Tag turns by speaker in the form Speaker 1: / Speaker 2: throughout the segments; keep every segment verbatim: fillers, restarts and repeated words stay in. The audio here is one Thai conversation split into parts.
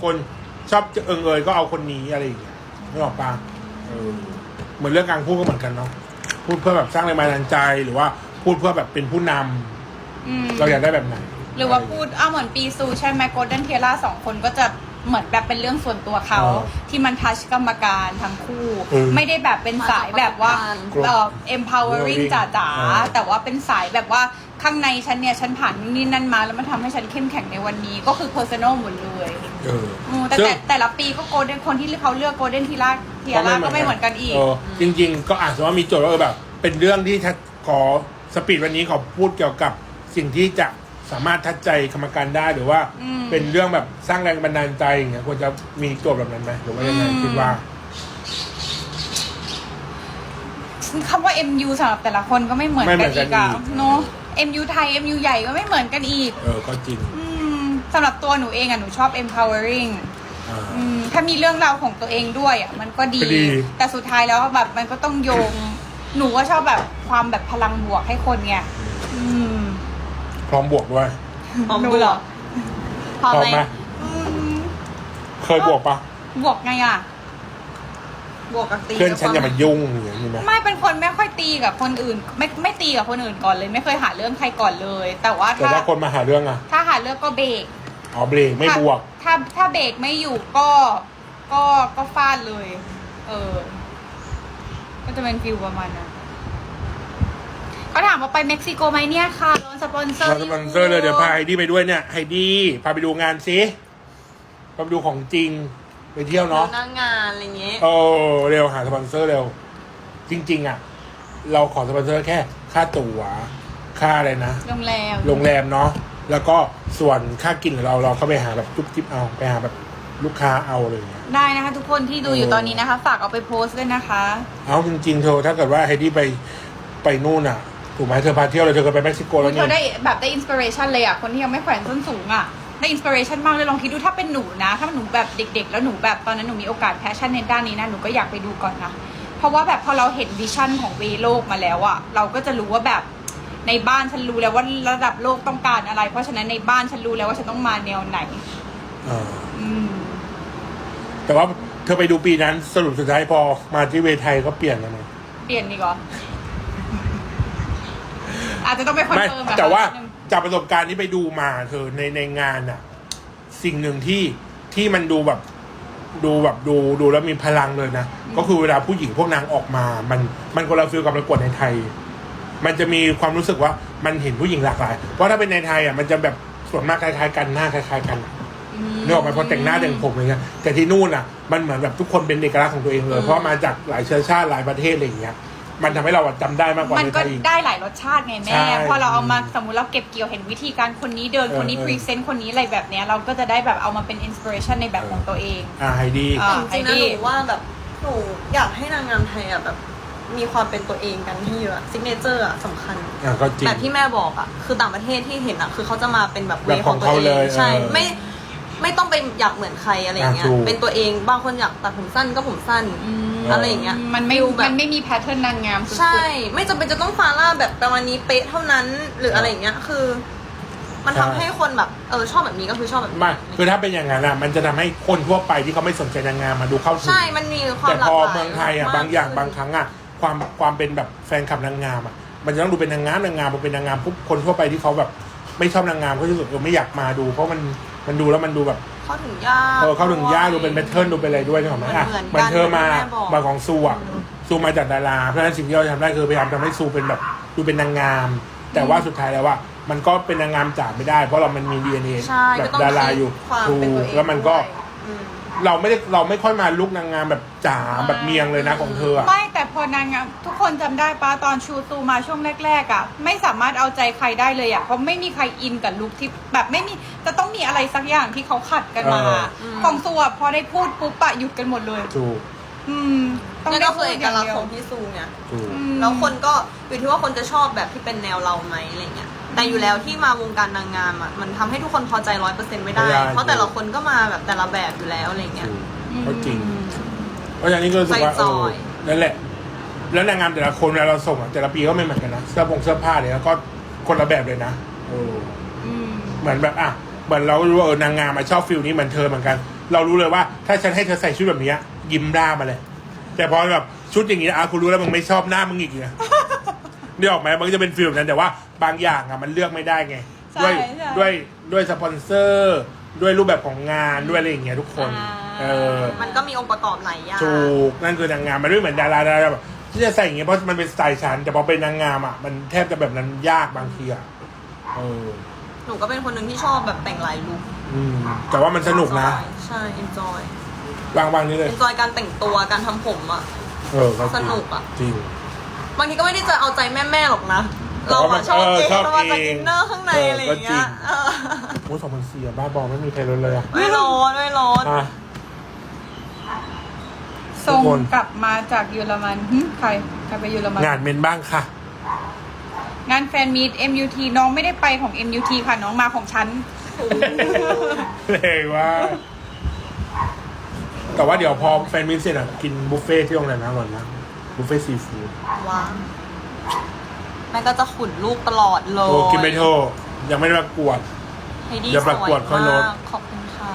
Speaker 1: คนชอบเอิงเอยก็เอาคนนี้อะไรอย่างเงี้ยไม่ออกปะเออเหมือนเรื่องการพูดก็เหมือนกันเนาะพูดเพื่อแบบสร้างแรงบันดาลใจหรือว่าพูดเพื่อแบบเป็นผู้นำเราอยากได้แบบไหน
Speaker 2: หรือว่าพูดอ้าเหมือนปีซูใช่ไหมโกลเด้นเทล่าสองคนก็จะเหมือนแบบเป็นเรื่องส่วนตัวเขาที่มันทัชกรรมการทั้งคู่ไม่ได้แบบเป็นสายแบบว่าเอ่อ empowering จ๋าๆแต่ว่าเป็นสายแบบว่าข้างในฉันเนี่ยฉันผ่านนี่นั่นมาแล้วมันทำให้ฉันเข้มแข็งในวันนี้ก็คือ personal หมดเลยแต่แต่แต่ละปีก็โกลเด้นคนที่เขาเลือกโกลเด้นทีล่าเทียร่าก็ไม่เหมือนกันอีก
Speaker 1: จริงๆก็อาจจะว่ามีโจทย์ว่าเออแบบเป็นเรื่องที่ขอสปีดวันนี้ขอพูดเกี่ยวกับสิ่งที่จะสามารถทัดใจกรรมการได้หรือว่าเป็นเรื่องแบบสร้างแรงบันดาลใจอย่างเงี้ยควรจะมีโจทย์แบบนั้นไหมหรือว่ายังไงคิดว่า
Speaker 2: คำว่า เอ็ม ยู สำหรับแต่ละคนก็ไม่เหมือนกันอีกอะเนาะ เอ็ม ยู ไทย เอ็ม ยู ใหญ่ก็ไม่เหมือนกันอีก
Speaker 1: เออก็จริง
Speaker 2: สำหรับตัวหนูเองอะหนูชอบ empowering ถ้ามีเรื่องราวของตัวเองด้วยอะมันก็ดีแต่สุดท้ายแล้วแบบมันก็ต้องโยงหนูก็ชอบแบบความแบบพลังบวกให้คนไง
Speaker 1: พร้อมบวกด้วย
Speaker 2: พร้อมบวก
Speaker 1: พร้อมไหมเคยบวกปะ
Speaker 2: บวกไงอะบวกกับตี
Speaker 1: เพื่อนฉันอย่ามายุ่งอย่างนี้ไหม
Speaker 2: ไม่เป็นคนไม่ค่อยตีกับคนอื่นไม่ไม่ตีกับคนอื่นก่อนเลยไม่เคยหาเรื่องใครก่อนเลย แต่ว่า
Speaker 1: แต่ถ้าคนมาหาเรื่องอะ
Speaker 2: ถ้าหาเรื่องก็เบรก
Speaker 1: อ๋อเบรกไม่บวก
Speaker 2: ถ้าถ้าเบรกไม่อยู่ก็ก็ก็ฟาดเลย เออก็จะเป็นฟิลประมาณนั้นเขาถามว่าไปเม็กซิโกไหมเนี่ยค่ะโดนสปอนเซอร์
Speaker 1: สปอนเซอร์เลยเดี๋ยวพาไฮดี้ไปด้วยเนี่ยไฮดี้พาไปดูงานซิพาไปดูของจริงไปเที่ยวเนาะ
Speaker 3: หน้างานอะไรเงี้ย
Speaker 1: โอ้เร็วหาสปอนเซอร์เร็วจริงๆอ่ะเราขอสปอนเซอร์แค่ค่าตั๋วค่าอะไรนะ
Speaker 2: โรงแรม
Speaker 1: โรงแรมเนาะแล้วก็ส่วนค่ากินเราเราเข้าไปหาแบบจุ๊บจิ๊บเอาไปหาแบบลูกค้าเอาเลย
Speaker 2: ได้นะคะทุกคนที่ดูอยู่ตอนนี้นะคะฝากเอาไปโพสต์ด้วยนะคะ
Speaker 1: เอาจริงๆเธอถ้าเกิดว่าไฮดี้ไปไปนู่นอ่ะถูกไหมเธอพาเที่ยวเลยเธอเคยไปเม็กซิโกแล้ว
Speaker 2: เนี่ยเธอได้แบบได้อินสปิเรชันเลยอ่ะคนที่ยังไม่แขวนส้นสูงอ่ะได้อินสปิเรชันมากเลยลองคิดดูถ้าเป็นหนูนะถ้าหนูแบบเด็กๆแล้วหนูแบบตอนนั้นหนูมีโอกาสแพชชั่นในด้านนี้นะหนูก็อยากไปดูก่อนนะเพราะว่าแบบพอเราเห็นวิชั่นของเวโลกมาแล้วอ่ะเราก็จะรู้ว่าแบบในบ้านฉันรู้แล้วว่าระดับโลกต้องการอะไรเพราะฉะนั้นในบ้านฉันรู้แล้วว่าฉันต้องมาแนวไหน
Speaker 1: อ่าแต่ว่าเธอไปดูปีนั้นสรุปสุดท้ายพอมาที่เวไทยก็เปลี่ยนแล้วนะ
Speaker 2: เปลี่ยนดีกว่าอาจจะต้องไปคอนเฟิร์ม
Speaker 1: แต่ว่าจากประสบการณ์ที่ไปดูมาเธอในในงานอ่ะสิ่งหนึ่งที่ที่มันดูแบบดูแบบดูดูแล้วมีพลังเลยนะก็คือเวลาผู้หญิงพวกนางออกมามันมันคนละฟีลกับประกวดในไทยมันจะมีความรู้สึกว่ามันเห็นผู้หญิงหลากหลายเพราะถ้าเป็นในไทยอ่ะมันจะแบบส่วนมากคล้ายๆกันหน้าคล้ายๆกันนึกออกไหมพอแต่งหน้าแต่งผมอะไรเงี้ยแต่ที่นู่นอ่ะมันเหมือนแบบทุกคนเป็นเอกลักษณ์ของตัวเองเลยเพราะมาจากหลายเชื้อชาติหลายประเทศอะไรอย่างเงี้ยมันทำให้เราจำได้มากกว่า
Speaker 2: มันก็ได้หลายรสชาติไงแม่พอเราเอามาสมมติเราเก็บเกี่ยวเห็นวิธีการคนนี้เดินคนนี้พรีเซนต์คนนี้อะไรแบบเนี้ยเราก็จะได้แบบเอามาเป็นอินสปิเรชันในแบบของตัวเอง
Speaker 1: อ่าไฮดี้
Speaker 3: จริงๆนะหนูว่าแบบหนูอยากให้นางงามไทยอ่ะแบบมีความเป็นตัวเองกันที่เยอะซิกเนเจอร์อ่ะสำคัญแบบที่แม่บอกอ่ะคือต่างประเทศที่เห็นอ่ะคือเขาจะมาเป็นแบบเวของตัวเองใช่ไม่ไม่ต้องไปอยากเหมือนใครอะไรเงี้ยเป็นตัวเองบางคนอยากตัดผมสั้นก็ผมสั้นอะไรอย่างเงี้ย
Speaker 2: มันไม่มันไม่มีแพทเทิร์นนางงาม
Speaker 3: ใช่ไม่จำเป็นจะต้องฟาร่าแบบประมาณนี้เป๊ะเท่านั้นหรืออะไรอย่างเงี้ยคือมันทำให้คนแบบเออชอบแบบนี้ก็คือชอบแบบนี้
Speaker 1: ไม่คือถ้าเป็นอย่างนั้นอ่ะมันจะทำให้คนทั่วไปที่เขาไม่สนใจนางงามมาดูเข้าถึง
Speaker 3: ใช่มันมีความหลากหลาย
Speaker 1: แต่พอเมืองไทยอ่ะบางอย่างบางครั้งอ่ะความความเป็นแบบแฟนคลับนางงามอ่ะมันจะต้องดูเป็นนางงามนางงามมันเป็นนางงามปุ๊บคนทั่วไปที่เขาแบบไม่ชอบนางงามเขาจะรู้สึกเออไม่อยากมาดูเพราะมันมันดูแล้วมันดูแบบ
Speaker 3: เข้าถึงยาก
Speaker 1: เออเข้าถึงยากดูเป็นแพทเทิร์นดูเป็นอะไรด้วยใช่ไหมอ่ะเหมือนเธอมามาของซูอ่ะซูมาจากดาราเพราะฉะนั้นสิ่งที่เราทำได้คือพยายามทำให้ซูเป็นแบบดูเป็นนางงามแต่ว่าสุดท้ายแล้วว่ามันก็เป็นนางงามจ๋าไม่ได้เพราะเรามันมี ดี เอ็น เอ แบบดาราอยู่ถูกแล้วมันก็เราไม่ได้เราไม่ค่อยมาลุกนางงามแบบจ๋าแบบเมียงเลยนะของเธอ
Speaker 2: ไม่แต่พอนางงามทุกคนจำได้ป้าตอนชูซูมาช่วงแรกๆอ่ะไม่สามารถเอาใจใครได้เลยอ่ะเพราะไม่มีใครอินกับลุคที่แบบไม่มีจะต้องมีอะไรสักอย่างที่เขาขัดกันมาของซูอ่ะพอได้พูดปุ๊บปะหยุดกันหมดเลย
Speaker 1: ถูก
Speaker 2: อืม
Speaker 3: ต้องได้พูดเอกลักษณ์ของพี่ซูเนี่ยแล้วคนก็อยู่ที่ว่าคนจะชอบแบบที่เป็นแนวเราไหมอะไรเงี้ยแต่อยู่แล้วที่มาวงการนางงามอ่ะมันทำให้ทุกคนพอใจร้อยเปอร์เซ็นต์ไม่ได้เพราะแต่ละคนก็มาแบบแต่ละแบบอยู่แล้วอะไรเงี้ย
Speaker 1: ก็จริงเพราะอย่างนี้ก็รู้สึกว่าเออนั่นแหละแล้วนางงามแต่ละคนเวลาเราส่งอ่ะแต่ละปีก็ไม่เหมือนกันนะเสื้อผงเสื้อผ้าเนี่ยแล้วก็คนละแบบเลยนะเออเหมือนแบบอ่ะเหมือนเรารู้ว่าเออนางงามมาชอบฟิลนี้เหมือนเธอเหมือนกันเรารู้เลยว่า ถ้าฉันให้เธอใส่ชุดแบบนี้ยิ้มร่ามาเลย แต่พอแบบชุดอย่างนี้อ่ะคุณรู้แล้วมึงไม่ชอบหน้ามึงอีกเนี่ยนี่ออกไหมมันก็จะเป็นฟิลนั้นแต่ว่าบางอย่างอ่ะมันเลือกไม่ได้ไงด้วยด้วยด้วยสปอนเซอร์ ด้วยรูปแบบของงานด้วยอะไรอย่างเงี้ยทุกคน เออ
Speaker 3: มันก็มีองค์ประกอบหลายอย่าง
Speaker 1: ถูกนั่นคือนางงามมันไม่เหมือนดาราดาราแบบที่จะใส่อย่างเงี้ยเพราะมันเป็นสไตล์ฉันแต่พอเป็นนางงามอ่ะมันแทบจะแบบนั้นยากบางทีอ่ะเออ
Speaker 3: หนูก็เป็นคนหนึ่งที่ชอบแบบแต่งหลายลุค
Speaker 1: อืมแต่ว่ามันสนุกนะ
Speaker 3: ใช่ enjoy
Speaker 1: วางวางนี้เลย
Speaker 3: enjoy การแต่งตัวการทำผมอ่ะ
Speaker 1: เออก็จริง
Speaker 3: สนุกอะ
Speaker 1: จริง
Speaker 3: บางทีก็ไม่ได้จะเอาใจแม่ๆหรอกนะ เราอะชอบ
Speaker 1: เออ
Speaker 3: เอง
Speaker 1: ชอบ
Speaker 3: เรามาจาก
Speaker 1: เอง
Speaker 3: อินเนอร์ข้างใน
Speaker 1: เอออ
Speaker 3: อะไรอย่างเงี้ย
Speaker 1: ก็จริง
Speaker 3: เออ
Speaker 1: โอ้สองพันสี่บ้าบอไม่มีใครรู้เลยอ่ะ
Speaker 3: ไม่ร้อนไม่ร้อน
Speaker 1: อ่ะ
Speaker 2: ส่ง
Speaker 1: ทุกคน
Speaker 2: กลับมาจากเยอรมันหึใครใครไปเยอรมัน
Speaker 1: งานเมนบ้างค่ะ
Speaker 2: งานแฟนมีต เอ็ม ยู ที น้องไม่ได้ไปของ เอ็ม ยู ที ค่ะน้องมาของฉัน
Speaker 1: เลยว่า แต่ว่าเดี๋ยวพอแฟนมิตรเสร็จอ่ะกินบุฟเฟ่ที่โรงแรมนะอร่อยนะบุฟเฟ่ซีฟู้ด
Speaker 3: ว้าวแม่ก็จะขุนลูกตลอดเลย
Speaker 1: โอ้กินไม่โทษยังไม่ได้ประกวด
Speaker 3: ให้ดี
Speaker 1: เดี๋ยว
Speaker 3: ส
Speaker 1: ประ
Speaker 3: วย
Speaker 1: กวดค่อยลด
Speaker 3: มากขอบคุณค่ะ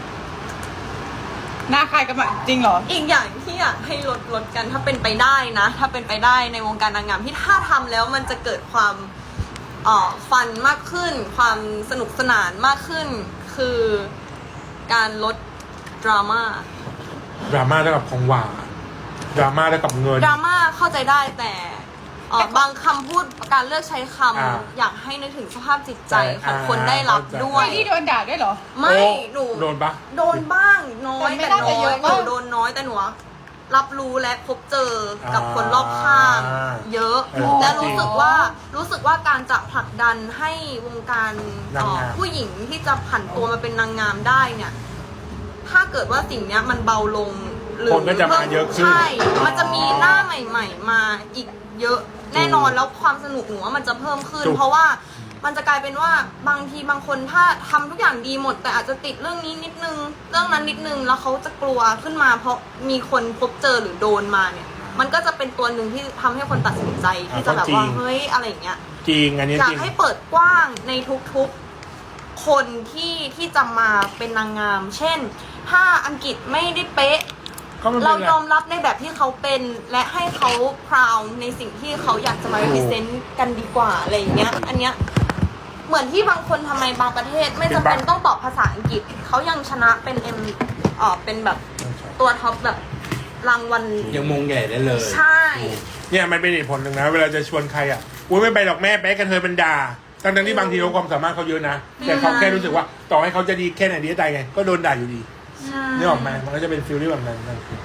Speaker 2: หน้าใครกันมาจริงเหรอ
Speaker 3: อีกอย่างที่อยากให้ลดลดกันถ้าเป็นไปได้นะ ถ้าเป็นไปได้ในวงการนางงามที่ถ้าทำแล้วมันจะเกิดความเอ่อฟันมากขึ้น ความสนุกสนานมากขึ้น คือการลดดราม่า
Speaker 1: ดราม่าเท่ากับของหวานดราม่าเท่ากับเงิน
Speaker 3: ดราม่าเข้าใจได้แต่เอ่อบางคำพูดการเลือกใช้คำ
Speaker 1: อ่า
Speaker 3: อยากให้นึกถึงสภาพจิตใจ
Speaker 1: ใช่
Speaker 3: ของ
Speaker 1: อ่า
Speaker 3: คนได้รับ
Speaker 1: เข้าใจ
Speaker 3: ด้วย
Speaker 2: ไม่ที่โดนด่าด้วยเหรอ
Speaker 3: ไม่
Speaker 1: โอ้
Speaker 3: หนู
Speaker 1: โดนปะ
Speaker 3: โดนบ้างน้อย
Speaker 2: แต่ไม่
Speaker 3: แต่
Speaker 2: น่า
Speaker 3: น้
Speaker 2: จะ
Speaker 3: อ
Speaker 2: เย
Speaker 3: ย
Speaker 2: อะ
Speaker 3: ห
Speaker 2: มาก
Speaker 3: นูโดนน้อยแต่หนูรับรู้และพบเจอกับคนรอบข้าง
Speaker 1: อ่า
Speaker 3: เยอะ
Speaker 1: เออ
Speaker 3: และ
Speaker 1: จริ
Speaker 3: รู้
Speaker 1: ง
Speaker 3: สึกว่ารู้สึกว่าการจะผลักดันให้วงการ
Speaker 1: นางงาม
Speaker 3: เอ่อผู้หญิงที่จะผันตัวมาเป็นนางงามได้เนี่ย ถ้าเกิดว่าสิ่งเนี้ยมันเบาลงหรือ
Speaker 1: คนก็จะมาเยอะขึ้น
Speaker 3: ใช่ มันจะมีหน้าใหม่ ๆ มาอีกเยอะแน่นอนแล้วความสนุกหนูว่ามันจะเพิ่มขึ้น
Speaker 1: ถูก
Speaker 3: เพราะว่ามันจะกลายเป็นว่าบางทีบางคนถ้าทำทุกอย่างดีหมด แต่อาจจะติดเรื่องนี้นิดนึง เรื่องนั้นนิดนึงแล้วเขาจะกลัวขึ้นมา เพราะมีคนพบเจอหรือโดนมาเนี่ย มันก็จะเป็นตัวหนึ่งที่ทำให้คนตัดสินใจที่จะแบบว่าเฮ้ยอะไรอย่างเงี้ย
Speaker 1: จริงอันนี้
Speaker 3: อยา
Speaker 1: จ
Speaker 3: ก
Speaker 1: ริง
Speaker 3: ให้เปิดกว้างในทุกๆคนที่ที่จะมาเป็นนางงาม เช่น ถ้าอังกฤษไม่ได้เป๊ะ
Speaker 1: ก็ไม่เป็น
Speaker 3: เรา
Speaker 1: ไร
Speaker 3: ยอมรับในแบบที่เขาเป็นและให้เขาพราวในสิ่งที่เขาอยากจะมา represent กันดีกว่าอะไรอย่างเงี้ย อันเนี้ยเหมือนที่บางคนทำไมบางประเทศไม่จำเป็นต้องตอบภาษาอังกฤษเขายังชนะเป็นเอ็มเอ่อเป็นแบบตัวท็อปแบบรางวัล
Speaker 4: ยังมงใหญ่ได้เลย
Speaker 3: ใช่
Speaker 1: เนี่ยมันเป็นเหตุผลหนึ่งนะ เวลาจะชวนใครอ่ะอุ้ยไม่ไปหรอกแม่แป๊กกันเธอเป็นด่าทั้งๆที่บางทีเขาความสามารถเขาเยอะนะ แต่เขาแค่รู้สึกว่าต่อให้เขาจะดีแค่ไหนดีก็ตายไง ก็โดนด่าอยู่ดี
Speaker 3: ใช่
Speaker 1: นี่ออกไหมมันก็จะเป็นฟิลที่แบบนั้นนั่นคือ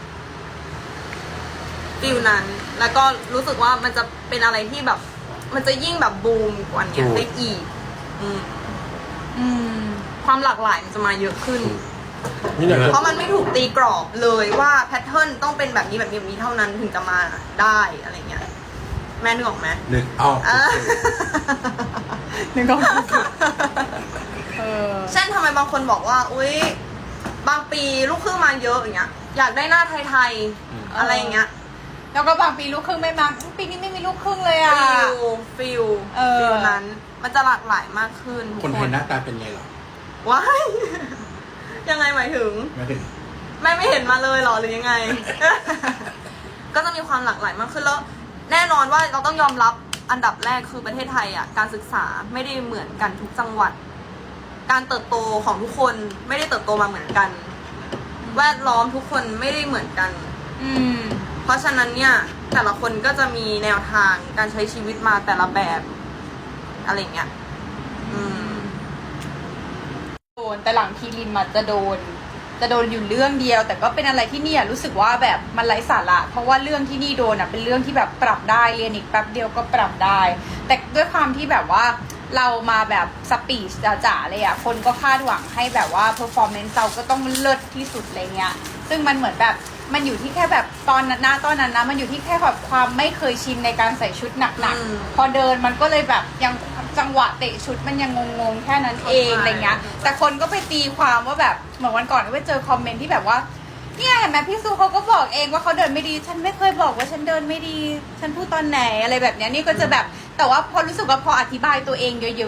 Speaker 3: ฟิลนั้น แล้วก็รู้สึกว่ามันจะเป็นอะไรที่แบบ มันจะยิ่งแบบบูมกว่านี้ได้อีก อืม
Speaker 2: อืม
Speaker 3: ความหลากหลายมันจะมาเยอะขึ้น
Speaker 1: นี่อยากจะ
Speaker 3: เพราะมันไม่ถูกตีกรอบเลยว่าแพทเทิร์นต้องเป็นแบบนี้แบบนี้แบบนี้เท่านั้นถึงจะมาได้อะไรเงี้ย แม่นึกออกไหม
Speaker 4: นึกออก
Speaker 3: อ่ะ
Speaker 2: นึกออกเออ
Speaker 3: เช่นทำไมบางคนบอกว่า อุ้ยบางปีลูกครึ่งมาเยอะอย่างเงี้ย อยากได้หน้าไทยๆอะไรอย่างเงี้ย
Speaker 2: แล้วก็บางปีลูกครึ่งไม่มาปีนี้ไม่มีลูกครึ่งเลยอ่ะ
Speaker 3: ฟิลฟิล
Speaker 2: เออ
Speaker 3: ฟิลนั้น มันจะหลากหลายมากขึ้นทุก
Speaker 4: คนไทยหน้าตาเป็นไงเหรอ
Speaker 3: ว้าย ยังไงหมายถึง
Speaker 4: ไม่ถึง
Speaker 3: แม่ไม่เห็นมาเลยเหรอหรือยังไง ก็จะมีความหลากหลายมากขึ้นแล้ว แน่นอนว่าเราต้องยอมรับอันดับแรกคือประเทศไทยอ่ะการศึกษาไม่ได้เหมือนกันทุกจังหวัด การเติบโตของทุกคนไม่ได้เติบโตมาเหมือนกัน แวดล้อมทุกคนไม่ได้เหมือนกัน
Speaker 2: อืม
Speaker 3: เพราะฉะนั้นเนี่ยแต่ละคนก็จะมีแนวทางการใช้ชีวิตมาแต่ละแบบอะไรอย่างเงี้ย อืม
Speaker 2: โดนแต่หลังทีริมอะจะโดน จะโดนอยู่เรื่องเดียว แต่ก็เป็นอะไรที่เนี่ยรู้สึกว่าแบบมันไร้สาระเพราะว่าเรื่องที่นี่โดนอะเป็นเรื่องที่แบบปรับได้เรียนอีกแป๊บเดียวก็ปรับได้ แต่ด้วยความที่แบบว่าเรามาแบบสปีชจ๋าๆเลยอะคนก็คาดหวังให้แบบว่าเพอร์ฟอร์แมนซ์เราก็ต้องเลิศที่สุดอะไรเงี้ยซึ่งมันเหมือนแบบมันอยู่ที่แค่แบบตอนนั้นนะตอนนั้นนะมันอยู่ที่แค่แบบความไม่เคยชินในการใส่ชุดหนัก
Speaker 3: อืม
Speaker 2: ๆพอเดินมันก็เลยแบบยังจังหวะเตะชุดมันยังงงๆแค่นั้นเอง
Speaker 3: เข้าใจ
Speaker 2: อะไรเงี้ยแต่คนก็ไปตีความว่าแบบเหมือนวันก่อนก็ไปเจอคอมเมนต์ที่แบบว่าเนี่ยเห็นไหมพี่ซูเขาก็บอกเองว่าเขาเดินไม่ดี ฉันไม่เคยบอกว่าฉันเดินไม่ดี ฉันพูดตอนไหนอะไรแบบเนี้ยนี่ก็จะแบบแต่ว่าพอรู้สึกว่าพออธิบายตัวเองเยอะๆอ่ะ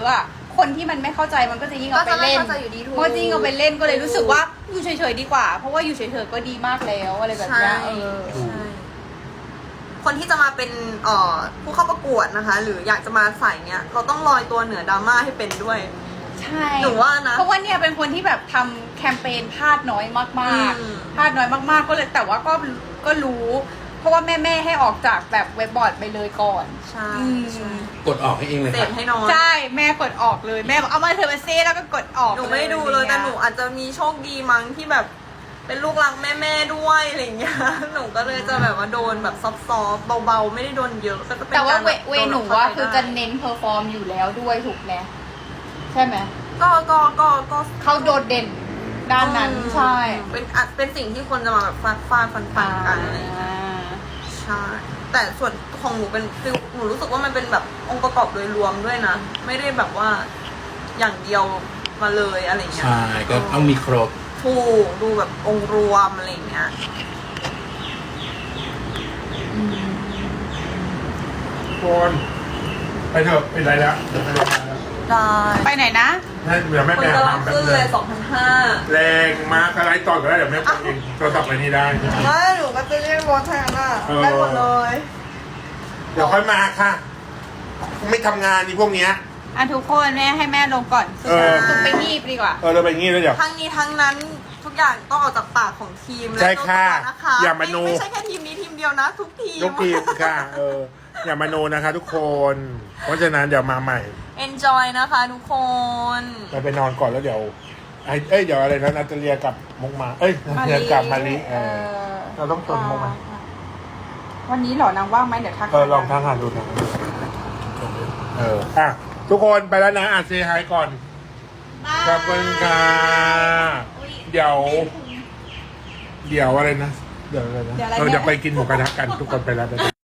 Speaker 2: คนที่มันไม่เข้าใจมันก็จะยิ่งเอาไปเล่น
Speaker 3: ก็จะไม่เข้าใจอยู่ดีถูก
Speaker 2: มันก็จะยิ่งเอาไปเล่นก็เลยรู้สึกว่าอยู่เฉยๆดีกว่า เพราะว่าอยู่เฉยๆก็ดีมากแล้วอะไรแบบ
Speaker 3: ใช่
Speaker 2: เนี้ยเออ
Speaker 3: ใช่คนที่จะมาเป็นเอ่อผู้เข้าประกวดนะคะ หรืออยากจะมาใส่เนี้ย เราต้องลอยตัวเหนือดราม่าให้เป็นด้วย
Speaker 2: ใช่
Speaker 3: หนูว่านะ
Speaker 2: เพราะว่าเนี่ยเป็นคนที่แบบทำแคมเปญพลาดน้อยมาก
Speaker 3: อืม
Speaker 2: ๆพลาดน้อยมากๆก็เลยแต่ว่าก็ก็รู้ เพราะว่าแม่แม่ๆให้ออกจากแบบเว็บบอร์ดไปเลยก่อน
Speaker 3: ใช่
Speaker 2: อืม
Speaker 3: ใช่
Speaker 4: กดออกให้เองเลย
Speaker 3: เส
Speaker 4: ค่ะ
Speaker 3: พให้น้อย
Speaker 2: ใช่แม่กดออกเลยแม่บอกเอามาเธอมาเซ่แล้วก็กดออก
Speaker 3: หนูไม่ดูเลยแต่หนูอาจจะมีโชคดีมั้งที่แบบเป็นลูกรักแม่ๆด้วยอะไรอย่างเงี้ย หนูก็เลยจะแบบว่าโดนแบบซอฟต์ๆเบาๆไม่ได้โดนเยอะก็จะเป็น
Speaker 2: แต่ว่า
Speaker 3: การ
Speaker 2: เว
Speaker 3: แบบ
Speaker 2: เว
Speaker 3: โด
Speaker 2: หนู
Speaker 3: เข้
Speaker 2: ว่า
Speaker 3: ใจ
Speaker 2: คือ
Speaker 3: ได้
Speaker 2: จะเน้นเพอร์ฟอร์มอยู่แล้วด้วยถูกไหมใช่ไหม
Speaker 3: ก็ก็ก็ก็
Speaker 2: เขาโดดเด่นด้านนั้นใช่
Speaker 3: เป็นอ่ะเป็นสิ่งที่คนจะมาแบบฟาดฟาดฟันฟันกันอะไรอย่างเงี้ย ใช่ แต่ส่วนของหนูเป็นฟิลหนูรู้สึกว่ามันเป็นแบบองค์ประกอบโดยรวมด้วยนะ ไม่ได้แบบว่าอย่างเดียวมาเลยอะไรเงี้ย
Speaker 4: ใช่ก็ต้องมีครบ
Speaker 3: ถูกดูแบบองค์รวมอะไรเงี้ย
Speaker 1: คนไปเถอะเป็นไรแล้วเดี๋ยวไปโรงพยาบาลแล้ว
Speaker 3: ได้
Speaker 2: ไปไหนนะ
Speaker 1: ให้เดี๋ยวแม่
Speaker 3: คน
Speaker 1: แม่
Speaker 3: กำลั
Speaker 1: ทำ
Speaker 3: ง
Speaker 1: แป๊บ
Speaker 3: ขึ้น
Speaker 1: นึ
Speaker 3: เลย
Speaker 1: ง
Speaker 3: สองพันห้า
Speaker 1: แรงมากอะไรต่อก็ได้เดี๋ยวแม่กดเองโทรศัพท์ไปนี่ได้
Speaker 3: ไม่หนูก็จะเรียกรถแทนอ่ะ
Speaker 1: เออ
Speaker 3: ได้หมดเลย
Speaker 1: เดี๋ยวค่อยมาค่ะ ไม่ทำงานนี่พวกเนี้ย
Speaker 2: อ่ะทุกคนแม่ให้แม่ลงก่อน
Speaker 1: เออ
Speaker 2: สุดไปงีบดีกว่า
Speaker 1: เออเราไปงี้แล้วเดี๋ยว
Speaker 3: ทั้งนี้ทั้งนั้นทุกอย่างต้องออกจากปากของทีมและ
Speaker 1: ใช่ค่ะ
Speaker 3: ตัวนะคะ
Speaker 1: อย่ามาโน
Speaker 3: ไม่ไม่ใช่แค่ทีมนี้ทีมเดียวนะ ทุกทีม
Speaker 1: ยกทีมค่ะ เออ อย่ามาโนนะคะ ทุกคน เพราะฉะนั้นเดี๋ยวมาใหม่
Speaker 3: enjoy นะคะทุกคน
Speaker 1: ไปไปนอนก่อนแล้วเดี๋ยวไอ้เอ้ยเดี๋ยวอะไรนะนาตาเลียกับมกมา เอ้ยนาตาเลียกับมาลิเออเราต้องชวนมกมา
Speaker 2: วันนี้เหรอนางว่างไหมเดี๋ยวทัก
Speaker 1: เออลองทางหาดูนะเอออ่ะทุกคนไปแล้วนะอ่ะเซฮายก่อนขอบคุณค่ะเดี๋ยว เดี๋ยวอะไรนะเดี๋ยวอะไรนะเออเดี๋ยวไปกินหมูกระทะกันทุกคนไปแล้วไปแล้ว